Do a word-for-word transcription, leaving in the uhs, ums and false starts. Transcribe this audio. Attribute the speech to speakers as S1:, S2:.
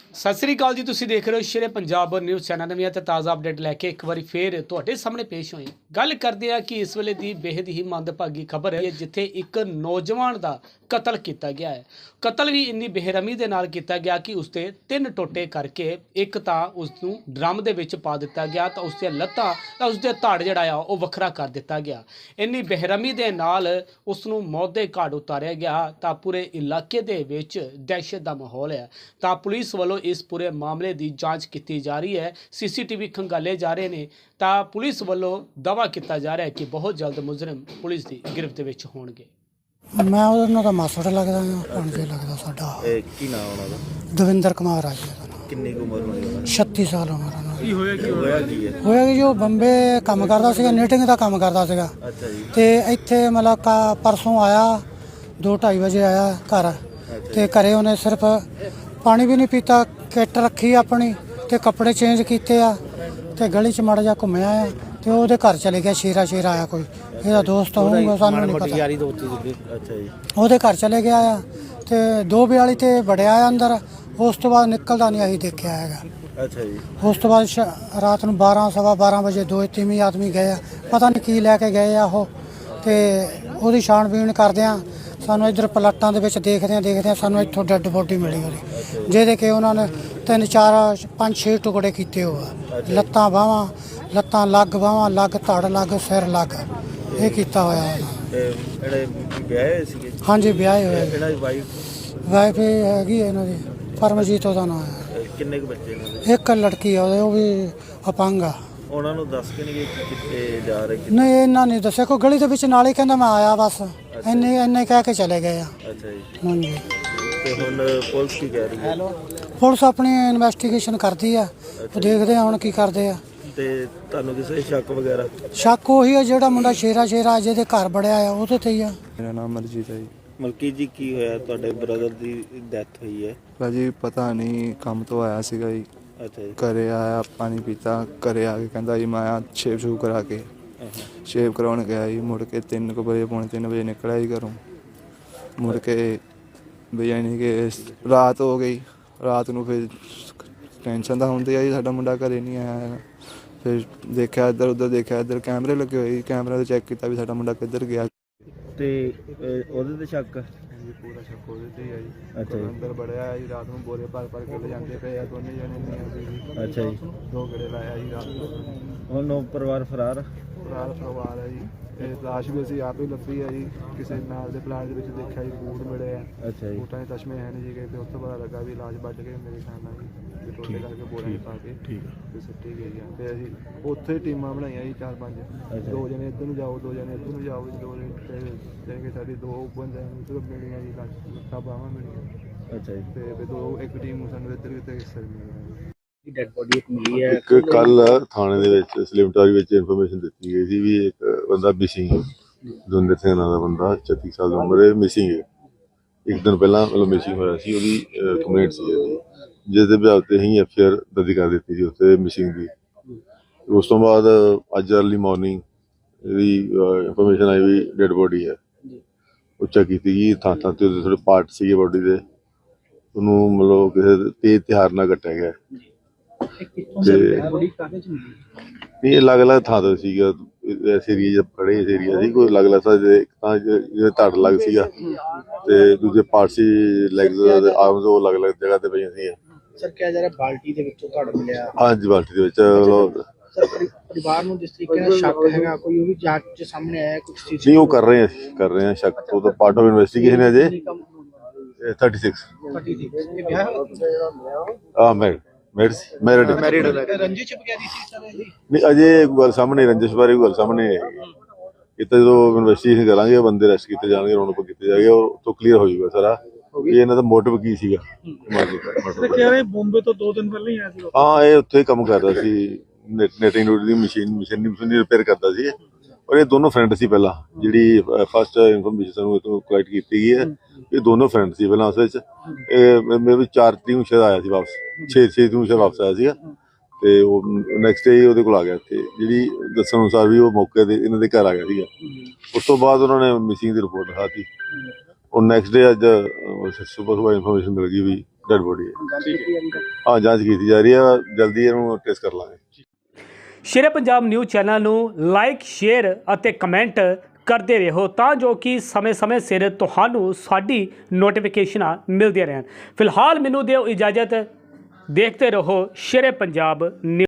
S1: ਸਤਿ ਸ੍ਰੀ ਅਕਾਲ ਜੀ। ਤੁਸੀਂ ਦੇਖ ਰਹੇ ਹੋ ਸ਼ੇਰੇ ਪੰਜਾਬ ਨਿਊਜ਼ ਚੈਨਲ। ਨਵੀਆਂ ਤੇ ਤਾਜ਼ਾ ਅਪਡੇਟ ਲੈ ਕੇ ਇੱਕ ਵਾਰੀ ਫੇਰ ਤੁਹਾਡੇ ਸਾਹਮਣੇ ਪੇਸ਼ ਹੋਏ। ਗੱਲ ਕਰਦੇ ਆ ਕਿ ਇਸ ਵੇਲੇ ਦੀ ਬੇहद ਹੀ ਮੰਦਭਾਗੀ ਖਬਰ ਹੈ ਜਿੱਥੇ ਇੱਕ ਨੌਜਵਾਨ ਦਾ ਕਤਲ ਕੀਤਾ ਗਿਆ ਹੈ। ਕਤਲ ਵੀ ਇੰਨੀ ਬੇਰਹਿਮੀ ਦੇ ਨਾਲ ਕੀਤਾ ਗਿਆ ਕਿ ਉਸਤੇ ਤਿੰਨ ਟੋਟੇ ਕਰਕੇ ਇੱਕ ਤਾਂ ਉਸ ਨੂੰ ਡਰਮ ਦੇ ਵਿੱਚ ਪਾ ਦਿੱਤਾ ਗਿਆ ਤਾਂ ਉਸਦੇ ਲੱਤਾਂ ਤਾਂ ਉਸਦੇ ਧੜ ਜਿਹੜਾ ਆ ਉਹ ਵੱਖਰਾ ਕਰ ਦਿੱਤਾ ਗਿਆ। ਇੰਨੀ ਬੇਰਹਿਮੀ ਦੇ ਨਾਲ ਉਸ ਨੂੰ ਮੌਤ ਦੇ ਘਾਟ ਉਤਾਰਿਆ ਗਿਆ ਤਾਂ ਪੂਰੇ ਇਲਾਕੇ ਦੇ ਵਿੱਚ ਦਹਿਸ਼ਤ ਦਾ ਮਾਹੌਲ ਹੈ। ਤਾਂ ਪੁਲਿਸ ਵੱਲੋਂ ਇਸ ਪੂਰੇ ਮਾਮਲੇ ਦੀ ਜਾਂਚ ਕੀਤੀ ਜਾ ਰਹੀ ਹੈ। ਸੀਸੀਟੀਵੀ ਖੰਗਾਲੇ ਜਾ ਰਹੇ ਨੇ ਤਾਂ ਪੁਲਿਸ ਵੱਲੋਂ ਦਾਅਵਾ ਕੀਤਾ ਜਾ ਰਿਹਾ ਹੈ ਕਿ ਬਹੁਤ ਜਲਦ ਮੁਜਰਮ ਪੁਲਿਸ ਦੀ ਗਿਰਫਤ ਦੇ ਵਿੱਚ ਹੋਣਗੇ।
S2: ਮੈਂ ਉਹਨਾਂ ਦਾ ਮਾਸੜ ਲੱਗਦਾ ਹਾਂ, ਪੰਜੇ ਲੱਗਦਾ ਸਾਡਾ।
S3: ਇਹ ਕੀ ਨਾਮ ਉਹਨਾਂ ਦਾ?
S2: ਦਵਿੰਦਰ ਕੁਮਾਰ ਆ ਜੀ ਉਹਦਾ ਨਾਮ।
S3: ਕਿੰਨੀ ਕੁ ਉਮਰ ਹੋਣੀ ਉਹਨਾਂ ਦੀ?
S2: ਛੱਤੀ ਸਾਲ ਉਮਰ ਉਹਨਾਂ ਦੀ।
S3: ਕੀ ਹੋਇਆ ਕੀ ਹੋਇਆ ਕੀ ਹੈ?
S2: ਹੋਇਆ ਕਿ ਜੋ ਬੰਬੇ ਕੰਮ ਕਰਦਾ ਸੀਗਾ, ਨੀਟਿੰਗ ਦਾ ਕੰਮ ਕਰਦਾ ਸੀਗਾ
S3: ਅੱਛਾ ਜੀ।
S2: ਤੇ ਇੱਥੇ ਮਤਲਬ ਕਾ ਪਰਸੋਂ ਆਇਆ, ਦੋ ਢਾਈ ਵਜੇ ਆਇਆ ਘਰ ਤੇ ਘਰੇ ਉਹਨੇ ਸਿਰਫ ਪਾਣੀ ਵੀ ਨਹੀਂ ਪੀਤਾ, ਕਿੱਟ ਰੱਖੀ ਆਪਣੀ ਤੇ ਕੱਪੜੇ ਚੇਂਜ ਕੀਤੇ ਆ ਤੇ ਗਲੀ 'ਚ ਮਾੜਾ ਜਿਹਾ ਘੁੰਮਿਆ ਆ ਤੇ ਉਹਦੇ ਘਰ ਚਲੇ ਗਿਆ। ਸ਼ੇਰਾ ਸ਼ੇਰਾ ਆਇਆ ਕੋਈ, ਇਹਦਾ ਦੋਸਤ ਹੋਊਗਾ, ਸਾਨੂੰ ਨਹੀਂ ਪਤਾ।
S3: ਅੱਛਾ ਜੀ।
S2: ਉਹਦੇ ਘਰ ਚਲੇ ਗਿਆ ਆ ਤੇ ਦੋ ਬਿਆਲੀ ਤੇ ਵੜਿਆ ਆ ਅੰਦਰ। ਉਸ ਤੋਂ ਬਾਅਦ ਨਿਕਲਦਾ ਨਹੀਂ ਅਸੀਂ ਦੇਖਿਆ ਹੈਗਾ।
S3: ਅੱਛਾ ਜੀ।
S2: ਉਸ ਤੋਂ ਬਾਅਦ ਸ਼- ਰਾਤ ਨੂੰ ਬਾਰਾਂ ਸਵਾ ਬਾਰਾਂ ਵਜੇ ਦੋ ਤਿੰਨ ਆਦਮੀ ਗਏ ਆ, ਪਤਾ ਨਹੀਂ ਕੀ ਲੈ ਕੇ ਗਏ ਆ ਉਹ। ਤੇ ਉਹਦੀ ਛਾਣਬੀਣ ਕਰਦੇ ਆ, ਸਾਨੂੰ ਇੱਧਰ ਪਲਾਟਾਂ ਦੇ ਵਿੱਚ ਦੇਖਦੇ ਆ ਦੇਖਦੇ ਆ ਸਾਨੂੰ ਇੱਥੋਂ ਡੈੱਡ ਬੋਡੀ ਮਿਲੀ ਉਹਦੀ, ਜਿਹਦੇ ਕਿ ਉਹਨਾਂ ਨੇ ਤਿੰਨ ਚਾਰ ਪੰਜ ਛੇ ਟੁਕੜੇ ਕੀਤੇ ਹੋ ਆ। ਲੱਤਾਂ ਬਾਹਾਂ, ਲੱਤਾਂ ਲੱਗ ਬਾਹਾਂ ਲੱਗ, ਧੜ ਲੱਗ, ਸਿਰ ਲੱਗ, ਇਹ ਕੀਤਾ ਹੋਇਆ ਉਹਨਾਂ।
S3: ਤੇ ਜਿਹੜੇ ਵਿਆਹੇ ਹੋਏ ਸੀਗੇ?
S2: ਹਾਂਜੀ ਵਿਆਹੇ ਹੋਏ।
S3: ਇਹਨਾਂ ਦੀ ਵਾਈਫ?
S2: ਵਾਈਫ ਹੈਗੀ ਇਹਨਾਂ ਦੀ ਪਰਮਜੀਤ ਉਹਦਾ ਨਾਮ ਹੈ।
S3: ਕਿੰਨੇ ਕੁ ਬੱਚੇ ਇਹਨਾਂ ਦੇ?
S2: ਇੱਕ ਲੜਕੀ ਆ ਉਹਦੇ, ਉਹ ਵੀ ਅਪੰਗ ਆ।
S3: ਉਹਨਾਂ ਨੂੰ ਦੱਸ ਕੇ ਨਹੀਂ ਗਏ ਕਿ ਕਿੱਥੇ ਜਾ ਰਹੇ ਕਿੱਥੇ?
S2: ਨਹੀਂ ਇਹਨਾਂ ਨੇ ਦੱਸਿਆ, ਕੋਈ ਗਲੀ ਦੇ ਵਿੱਚ ਨਾਲ ਹੀ ਕਹਿੰਦਾ ਮੈਂ ਆਇਆ ਬਸ, ਇੰਨੇ ਇੰਨੇ ਕਹਿ ਕੇ ਚਲੇ ਗਏ ਆ।
S3: ਅੱਛਾ ਜੀ।
S2: ਹਾਂਜੀ।
S3: ਤੇ ਹੁਣ ਪੁਲਿਸ ਕੀ ਕਹਿ ਰਹੀ ਹੈ?
S2: ਪੁਲਿਸ ਆਪਣੀ ਇਨਵੈਸਟੀਗੇਸ਼ਨ ਕਰਦੀ ਆ, ਉਹ ਦੇਖਦੇ ਆ ਹੁਣ ਕੀ ਕਰਦੇ ਆ।
S3: ਤੇ ਤੁਹਾਨੂੰ ਕਿਸੇ ਸ਼ੱਕ ਵਗੈਰਾ?
S2: ਸ਼ੱਕ ਉਹੀ ਆ ਜਿਹੜਾ ਮੁੰਡਾ ਸ਼ੇਰਾ ਸ਼ੇਰਾ ਜਿਹਦੇ ਘਰ ਬੜਿਆ ਆ ਉਹਦੇ ਤੇ ਹੀ ਆ।
S4: ਮੇਰਾ ਨਾਮ ਮਰਜੀਤ ਹੈ ਜੀ।
S3: ਮਲਕੀ ਜੀ, ਕੀ ਹੋਇਆ? ਤੁਹਾਡੇ ਬ੍ਰਦਰ ਦੀ ਡੈਥ ਹੋਈ ਹੈ।
S4: ਭਾਜੀ ਪਤਾ ਨਹੀਂ, ਕੰਮ ਤੋਂ ਆਇਆ ਸੀਗਾ ਜੀ,
S3: ਅੱਛਾ ਜੀ।
S4: ਘਰੇ ਆਇਆ, ਪਾਣੀ ਪੀਤਾ, ਘਰੇ ਆ ਕੇ ਕਹਿੰਦਾ ਜੀ ਮੈਂ ਆ ਸ਼ੇਵ ਸ਼ੂਵ ਕਰਾ ਕੇ ਸ਼ੇਵ ਕਰਾਉਣ ਗਿਆ ਜੀ। ਮੁੜ ਕੇ ਤਿੰਨ ਕੁ ਵਜੇ ਪੌਣੇ ਤਿੰਨ ਵਜੇ ਨਿਕਲਿਆ ਜੀ ਘਰੋਂ। ਮੁੜ ਕੇ ਵੀ ਯਾਨੀ ਕਿ ਰਾਤ ਹੋ ਗਈ। ਰਾਤ ਨੂੰ ਫਿਰ ਟੈਨਸ਼ਨ ਤਾਂ ਹੁੰਦੀ ਆ ਜੀ, ਸਾਡਾ ਮੁੰਡਾ ਘਰੇ ਨਹੀਂ ਆਇਆ ਹੈਗਾ। ਫਿਰ ਦੇਖਿਆ ਇੱਧਰ ਉੱਧਰ, ਦੇਖਿਆ ਇੱਧਰ ਕੈਮਰੇ ਲੱਗੇ ਹੋਏ ਜੀ, ਕੈਮਰਾ 'ਤੇ ਚੈੱਕ ਕੀਤਾ ਵੀ ਸਾਡਾ ਮੁੰਡਾ ਕਿੱਧਰ ਗਿਆ।
S3: ਤੇ ਅਹ, ਉਹਦੇ ਤੇ ਸ਼ੱਕ?
S4: ਹਾਂਜੀ ਪੂਰਾ ਸ਼ੱਕ ਉਹਦੇ ਤੇ ਹੀ ਆ ਜੀ।
S3: ਅੱਛਾ ਜੀ।
S4: ਅੰਦਰ ਬੜਿਆ ਜੀ, ਰਾਤ ਨੂੰ ਬੋਰੇ ਭਰ ਭਰ ਕੇ ਜਾਂਦੇ ਪਏ ਆ ਦੋਨੇ ਜਣੇ ਨਹੀਂ।
S3: ਅੱਛਾ ਜੀ।
S4: ਦੋ ਗੇੜੇ ਲਾਇਆ ਜੀ ਰਾਤ ਨੂੰ।
S3: ਹੁਣ ਉਹ ਪਰਿਵਾਰ ਫਰਾਰ?
S4: ਰਾਤ ਪਰਿਵਾਰ ਹੈ ਜੀ। ਇਹ ਲਾਸ਼ ਵੀ ਅਸੀਂ ਆਪ ਹੀ ਲੱਭੀ ਹੈ ਜੀ, ਕਿਸੇ ਨਾਲ ਦੇ ਪਲਾਟ ਦੇ ਵਿੱਚ ਦੇਖਿਆ ਜੀ, ਬੂਟ ਮਿਲੇ ਆ।
S3: ਅੱਛਾ ਜੀ।
S4: ਬੂਟਾਂ ਦੇ ਤਸ਼ਮੇ ਹੈ ਨਹੀਂ ਜੀ, ਤੇ ਉਸ ਤੋਂ ਪਤਾ ਲੱਗਾ ਵੀ ਲਾਸ਼ ਵੱਢ ਕੇ ਮੇਰੇ ਖਿਆਲ ਨਾਲ ਜੀ ਤੇ ਟੋਟੇ ਕਰਕੇ ਬੋਰੇ ਪਾ ਕੇ ਤੇ ਸੁੱਟੀ ਗਈ ਆ। ਤੇ ਅਸੀਂ ਉੱਥੇ ਟੀਮਾਂ ਬਣਾਈਆਂ ਜੀ ਚਾਰ ਪੰਜ, ਦੋ ਜਣੇ ਇੱਧਰ ਨੂੰ ਜਾਓ, ਦੋ ਜਣੇ ਇੱਧਰ ਨੂੰ ਜਾਓ ਜੀ, ਦੋ ਜਣੇ ਤੇ ਕਿ ਸਾਡੀ ਦੋ ਬੰਦੇ ਨੂੰ ਸਿਰਫ ਮਿਲੀਆਂ ਜੀ, ਲੱਤਾਂ ਬਾਹਾਂ ਮਿਲੀਆਂ।
S3: ਅੱਛਾ ਜੀ।
S4: ਤੇ ਫਿਰ ਦੋ ਇੱਕ ਟੀਮ ਨੂੰ ਸਾਨੂੰ ਇੱਧਰ ਕਿਤੇ ਹਿੱਸਾ ਮਿਲਿਆ।
S3: ਡੈਡ ਬੋਡੀ ਇੱਕ ਮਿਲੀ ਹੈ।
S5: ਇੱਕ ਕੱਲ ਥਾਣੇ ਦੇ ਵਿੱਚ ਸਲਿਮਟਾਰੀ ਵਿੱਚ ਇਨਫੋਰਮੇਸ਼ਨ ਦਿੱਤੀ ਗਈ ਸੀ ਵੀ ਇੱਕ ਬੰਦਾ ਮਿਸਿੰਗ ਹੈ। ਦਵਿੰਦਰ ਸਿੰਘ ਨਾਂ ਦਾ ਬੰਦਾ, ਛੱਤੀ ਸਾਲ ਦੀ ਉਮਰ ਹੈ, ਮਿਸਿੰਗ ਹੈ। ਇੱਕ ਦਿਨ ਪਹਿਲਾਂ ਮਤਲਬ ਮਿਸਿੰਗ ਹੋਇਆ ਸੀ, ਉਹਦੀ ਕੰਪਲੇਂਟ ਸੀ ਇਹਦੀ, ਜਿਸ ਦੇ ਬਿਆਨ ਤੇ ਹੀ ਐਫ ਆਈ ਆਰ ਦਰਜ ਕਰ ਦਿੱਤੀ ਸੀ ਉੱਥੇ ਮਿਸਿੰਗ ਦੀ। ਉਸ ਤੋਂ ਬਾਅਦ ਅੱਜ ਅਰਲੀ ਮਾਰਨਿੰਗ ਇਹਦੀ ਇਨਫੋਰਮੇਸ਼ਨ ਆਈ ਵੀ ਡੈਡ ਬੋਡੀ ਹੈ। ਉਹ ਚੈੱਕ ਕੀਤੀ ਗਈ, ਥਾਂ ਥਾਂ ਤੇ ਉਹਦੇ ਥੋੜ੍ਹੇ ਪਾਰਟ ਸੀਗੇ ਬੋਡੀ ਦੇ, ਉਹਨੂੰ ਮਤਲਬ ਕਿਸੇ ਤੇਜ਼ ਹਥਿਆਰ ਨਾਲ ਕੱਟਿਆ ਗਿਆ। ਤੇ ਨਹੀਂ, ਅਲੱਗ ਅਲੱਗ ਥਾਂ ਤੋਂ ਸੀਗਾ, ਇਸ ਏਰੀਏ 'ਚ ਖੜੇ ਇਸ ਏਰੀਆ ਸੀ, ਕੋਈ ਅਲੱਗ ਅਲੱਗ ਥਾਂ ਤਾਂ ਜਿਹਦੇ ਧੜ ਲੱਗ ਸੀਗਾ ਤੇ ਦੂਜੇ ਪਾਰਟ ਸੀ ਲੈਗਸ ਆਰਮਸ, ਉਹ ਅਲੱਗ ਅਲੱਗ ਜਗ੍ਹਾ ਤੇ ਪਈਆਂ ਸੀ।
S6: ਸਰ ਕਿਹਾ ਜਾ ਰਿਹਾ ਬਾਲਟੀ ਦੇ ਵਿੱਚੋਂ ਧੜ ਮਿਲਿਆ?
S5: ਹਾਂਜੀ, ਬਾਲਟੀ ਦੇ ਵਿੱਚ।
S6: ਸਰ ਪਰਿਵਾਰ ਨੂੰ ਜਿਸ ਤਰੀਕੇ ਨਾਲ ਸ਼ੱਕ ਹੈਗਾ, ਕੋਈ ਉਹ ਵੀ ਜਾਂਚ 'ਚ ਸਾਹਮਣੇ ਆਇਆ ਕੁਝ ਚੀਜ਼?
S5: ਨਹੀਂ, ਉਹ ਕਰ ਰਹੇ ਆ ਕਰ ਰਹੇ ਆ ਸ਼ੱਕ, ਉਹ ਤਾਂ ਪਾਰਟ ਆਫ ਇਨਵੈਸਟੀਗੇਸ਼ਨ ਹੈ ਅਜੇ। ਥਰਟੀ ਸਿਕਸ
S6: ਇਹ ਵਿਆਹ
S5: ਆ ਮੈਰਿਡ ਮੈਰਿਡ ਮੈਰਿਡ
S6: ਮੈਰਿਡ ਰੰਜਿਸ਼ ਵਗੈਰਾ ਸੀ ਸਰ ਇਹ?
S5: ਨਹੀਂ, ਅਜੇ ਕੋਈ ਗੱਲ ਸਾਹਮਣੇ ਰੰਜਿਸ਼ ਬਾਰੇ ਕੋਈ ਗੱਲ ਸਾਹਮਣੇ ਨਹੀਂ ਆਈ। ਇਹ ਤਾਂ ਜਦੋਂ ਇਨਵੈਸਟੀਗੇਸ਼ਨ ਕਰਾਂਗੇ, ਬੰਦੇ ਅਰੈਸਟ ਕੀਤੇ ਜਾਣਗੇ, ਉਹਨਾਂ ਨੂੰ ਕੀਤੇ ਜਾਣਗੇ, ਉਹ ਤੋਂ ਕਲੀਅਰ ਹੋ ਜਾਊਗਾ ਸਾਰਾ ਵੀ ਇਹਨਾਂ ਦਾ ਮੋਟਿਵ ਕੀ ਸੀਗਾ।
S6: ਬੰਬੇ ਤੋਂ ਦੋ ਦਿਨ ਪਹਿਲਾਂ ਹੀ ਆਇਆ ਸੀ।
S5: ਹਾਂ, ਇਹ ਉੱਥੇ ਕੰਮ ਕਰਦਾ ਸੀ, ਨੈਟਿੰਗ ਦੀ ਮਸ਼ੀਨ ਮਸ਼ੀਨ ਮਸ਼ੀਨ ਰਿਪੇਅਰ ਕਰਦਾ ਸੀ। ਔਰ ਇਹ ਦੋਨੋਂ ਫਰੈਂਡ ਸੀ ਪਹਿਲਾਂ, ਜਿਹੜੀ ਫਸਟ ਇਨਫੋਰਮੇਸ਼ਨ ਸਾਨੂੰ ਇਹ ਤੋਂ ਕਲੈਕਟ ਕੀਤੀ ਗਈ ਹੈ। ਇਹ ਦੋਨੋਂ ਫਰੈਂਡ ਸੀ ਪਹਿਲਾਂ, ਉਸ ਵਿੱਚ ਇਹ ਮੇਰੇ ਵੀ ਚਾਰ ਤਰੀਕ ਨੂੰ ਸ਼ਾਇਦ ਆਇਆ ਸੀ ਵਾਪਸ, ਛੇ ਛੇ ਨੂੰ ਸ਼ਾਇਦ ਵਾਪਸ ਆਇਆ ਸੀਗਾ। ਤੇ ਉਹ ਨੈਕਸਟ ਡੇ ਉਹਦੇ ਕੋਲ ਆ ਗਿਆ ਇੱਥੇ, ਜਿਹੜੀ ਦੱਸਣ ਅਨੁਸਾਰ ਵੀ ਉਹ ਮੌਕੇ ਤੇ ਇਹਨਾਂ ਦੇ ਘਰ ਆ ਗਿਆ ਸੀਗਾ। ਉਸ ਤੋਂ ਬਾਅਦ ਉਹਨਾਂ ਨੇ ਮਿਸਿੰਗ ਦੀ ਰਿਪੋਰਟ ਲਿਖਾਤੀ। ਉਹ ਨੈਕਸਟ ਡੇ ਅੱਜ ਸੁਬਹ ਸੁਬਹ ਇਨਫੋਰਮੇਸ਼ਨ ਮਿਲ ਗਈ ਵੀ ਡੈਡ ਬੋਡੀ ਹੈ। ਹਾਂ ਜਾਂਚ ਕੀਤੀ ਜਾ ਰਹੀ ਹੈ, ਜਲਦੀ ਇਹਨੂੰ ਟੈਸਟ ਕਰ ਲਾਂਗੇ।
S1: ਸ਼ੇਰੇ ਪੰਜਾਬ ਨਿਊਜ਼ ਚੈਨਲ ਨੂੰ ਲਾਈਕ ਸ਼ੇਅਰ ਅਤੇ ਕਮੈਂਟ ਕਰਦੇ ਰਹੋ ਤਾਂ ਜੋ ਕਿ ਸਮੇਂ-ਸਮੇਂ ਸਿਰ ਤੁਹਾਨੂੰ ਸਾਡੀ ਨੋਟੀਫਿਕੇਸ਼ਨਾਂ ਮਿਲਦੀਆਂ ਰਹਿਣ। ਫਿਲਹਾਲ ਮੈਨੂੰ ਦਿਓ ਇਜਾਜ਼ਤ, ਦੇਖਦੇ ਰਹੋ ਸ਼ੇਰੇ ਪੰਜਾਬ ਨਿਊਜ਼।